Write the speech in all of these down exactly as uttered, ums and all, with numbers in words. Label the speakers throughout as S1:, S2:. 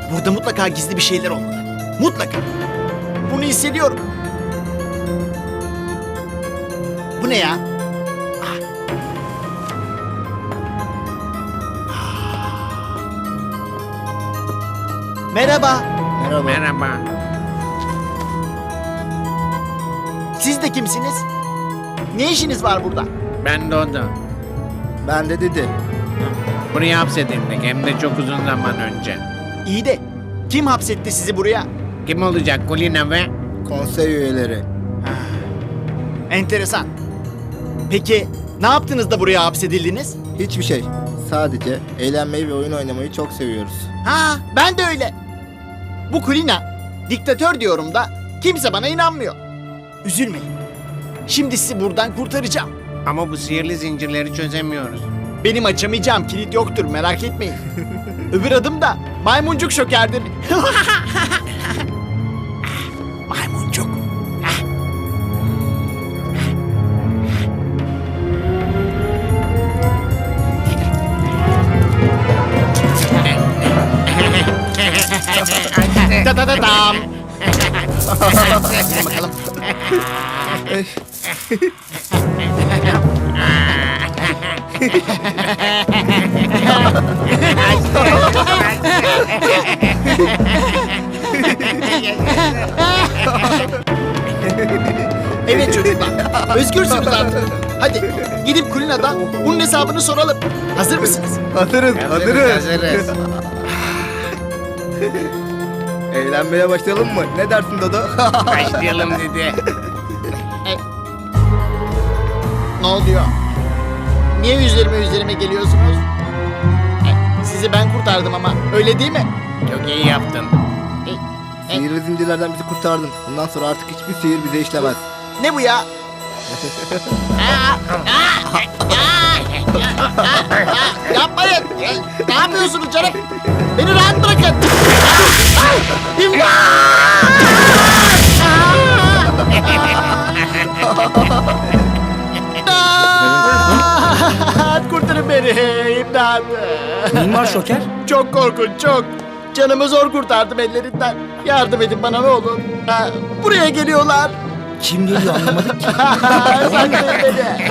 S1: Burada mutlaka gizli bir şeyler olmalı. Mutlaka. Bunu hissediyorum. Bu ne ya? Ah. Ah. Merhaba.
S2: Merhaba.
S3: Merhaba.
S1: Siz de kimsiniz? Ne işiniz var burada?
S3: Ben Dodo.
S2: Ben de dedi.
S3: Buraya hapsedildik hem de çok uzun zaman önce.
S1: İyi de kim hapsetti sizi buraya?
S3: Kim olacak Kulina ve?
S2: Konsey üyeleri.
S1: Enteresan. Peki ne yaptınız da buraya hapsedildiniz?
S2: Hiçbir şey. Sadece eğlenmeyi ve oyun oynamayı çok seviyoruz.
S1: Ha, ben de öyle. Bu Kulina, diktatör diyorum da kimse bana inanmıyor. Üzülmeyin. Şimdi sizi buradan kurtaracağım.
S3: Ama bu sihirli zincirleri çözemiyoruz.
S1: Benim açamayacağım kilit yoktur, merak etmeyin. Öbür adım da maymuncuk şokerdir. Maymuncuk. Da da da dam. Bakalım. Evet çocuklar, özgürsünüz artık. Hadi gidip Kulina'dan bunun hesabını soralım. Hazır mısınız?
S2: Hazırız, hazırız.
S3: Hazırız.
S2: Eğlenmeye başlayalım mı? Ne dersin Dodo?
S3: Başlayalım dedi.
S1: Ne oluyor? Niye üzerime üzerime geliyorsunuz? E, Sizi ben kurtardım ama öyle değil mi?
S3: Çok iyi yaptın.
S1: E, e,
S2: Sihirli zincirlerden bizi kurtardın. Bundan sonra artık hiçbir sihir bize işlemez.
S1: Ne bu ya? Aa, aa, aa, aa, aa, yapmayın. E, Ne yapıyorsunuz canım? Beni rahat bırakın. Aa, İmdat! İmdat! Kurtarın beni. İmdat.
S4: Neyin var Şoker?
S1: Çok korkunç, çok. Canımı zor kurtardım ellerinden. Yardım edin bana ne olur. Ha, buraya geliyorlar.
S4: Kim geliyor anlamadık ki.
S1: Saklayın beni.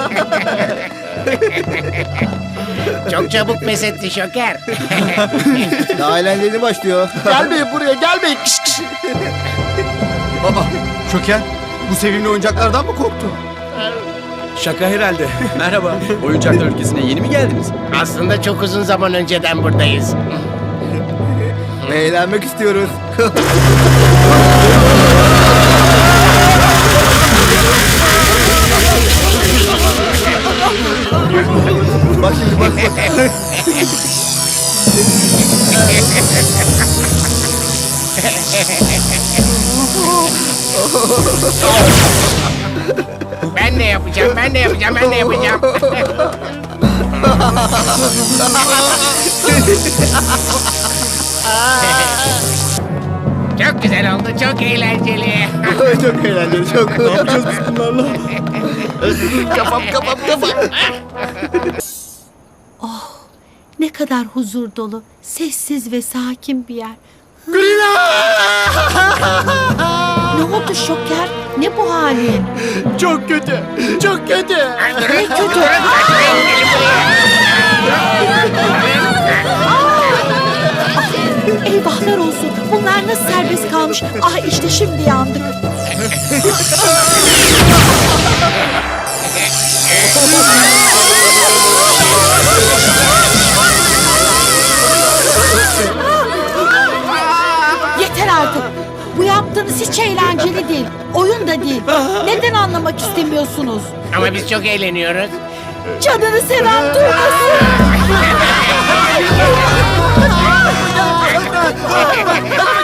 S3: Çok çabuk pes etti Şoker.
S2: Daha eğlenceli başlıyor.
S1: Gelmeyin buraya, gelmeyin. Kış, kış.
S5: Baba, Şoker, bu sevimli oyuncaklardan mı korktu?
S4: Şaka herhalde. Merhaba. Oyuncaklar ülkesine yeni mi geldiniz?
S3: Aslında çok uzun zaman önceden buradayız.
S2: Eğlenmek istiyoruz. Bak şimdi bak bak.
S3: Ben de yapacağım, ben de yapacağım, ben de yapacağım. Çok güzel oldu, çok eğlenceli.
S2: Çok eğlenceli, çok. Ne yapacağız biz bunlarla?
S1: Kafam, kafam, kafam.
S6: Ne kadar huzur dolu, sessiz ve sakin bir yer. Ne oldu Şoker? Ne bu halin?
S1: Çok kötü, çok kötü.
S6: Ne kötü. Eyvahlar olsun. Bunlar nasıl serbest kalmış? Ah işte şimdi yandık. Yeter artık. Bu yaptığınız hiç eğlenceli değil. Oyun da değil. Neden anlamak istemiyorsunuz?
S3: Ama biz çok eğleniyoruz.
S6: Canını seven duymasın.